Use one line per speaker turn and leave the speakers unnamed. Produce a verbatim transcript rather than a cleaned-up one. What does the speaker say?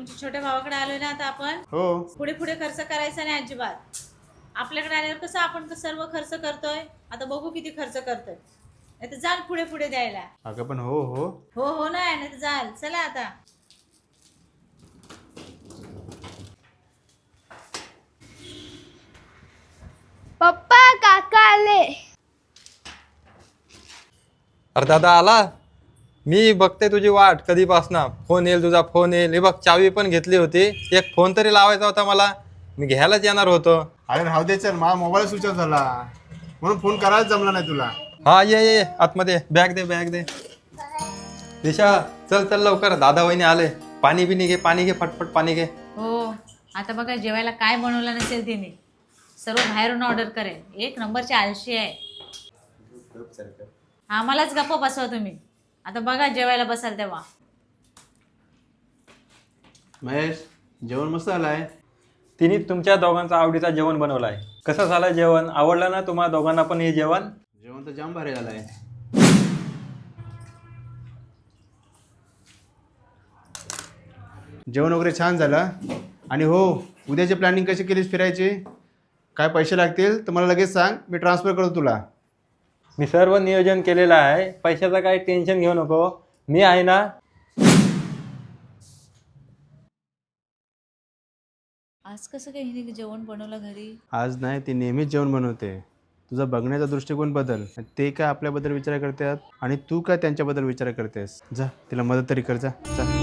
तुमच्या छोट्या भावाकडे आलोय ना आता आपण.
हो.
पुढे पुढे खर्च करायचा नाही अजिबात. आपल्याकडे आल्यावर कसं आपण तर सर्व खर्च करतोय, आता बघू किती खर्च करतोय. नाही तर जाल पुढे पुढे द्यायला.
अगं पण हो हो
हो हो नाही नाही तर जाल. चला आता.
पप्पा काका आले.
अरे दादा आला. मी बघते तुझी वाट कधीपासनं. फोन येईल तुझा, फोन येईल. हे बघ चावी पण घेतली होती, एक फोन तरी लावायचा होता मला. मी घ्यायलाच येणार होतो.
अरे राहू दे, चल माझा मोबाईल स्विच ऑफ झाला म्हणून फोन करायला जमला नाही तुला.
हा ये ये ये, आतमध्ये बॅग दे बॅग दे. दिशा चल चल लवकर, दादा वहिनी आले. पाणी बिनी घे, पाणी घे, फटफट पाणी घे.
हो आता बघा जेवायला काय बनवलं नसेल तिने, सर्व बाहेरून ऑर्डर करेल. एक नंबरची आळशी आहे. आम्हालाच गप्प बसवा तुम्ही. आता बघा जेवायला बसाल तेव्हा.
महेश जेवण मस्त आलाय.
तिने तुमच्या दोघांचा आवडीचा जेवण बनवलाय. कसं झालं जेवण? आवडलं ना तुम्हाला दोघांना पण हे जेवण?
जेवण तर जाम भारी झालंय. जेवण वगैरे छान झालं. आणि हो, उद्याची प्लॅनिंग कशी केलीस फिरायची? काय पैसे लागतील तर मला लगेच सांग, मी ट्रान्सफर करतो तुला.
मी सर्व नियोजन केलेलं आहे, पैशाचं काही टेन्शन घेऊ नको, मी आहे ना.
आज कसं काही हिने जेवण बनवलं घरी?
आज नाही, ती नेहमीच जेवण बनवते. तुझा बघण्याचा दृष्टिकोन बदल. ते काय आपल्याबद्दल विचार करतात आणि तू काय त्यांच्याबद्दल विचार करतेस. जा तिला मदत तरी कर, जा जा.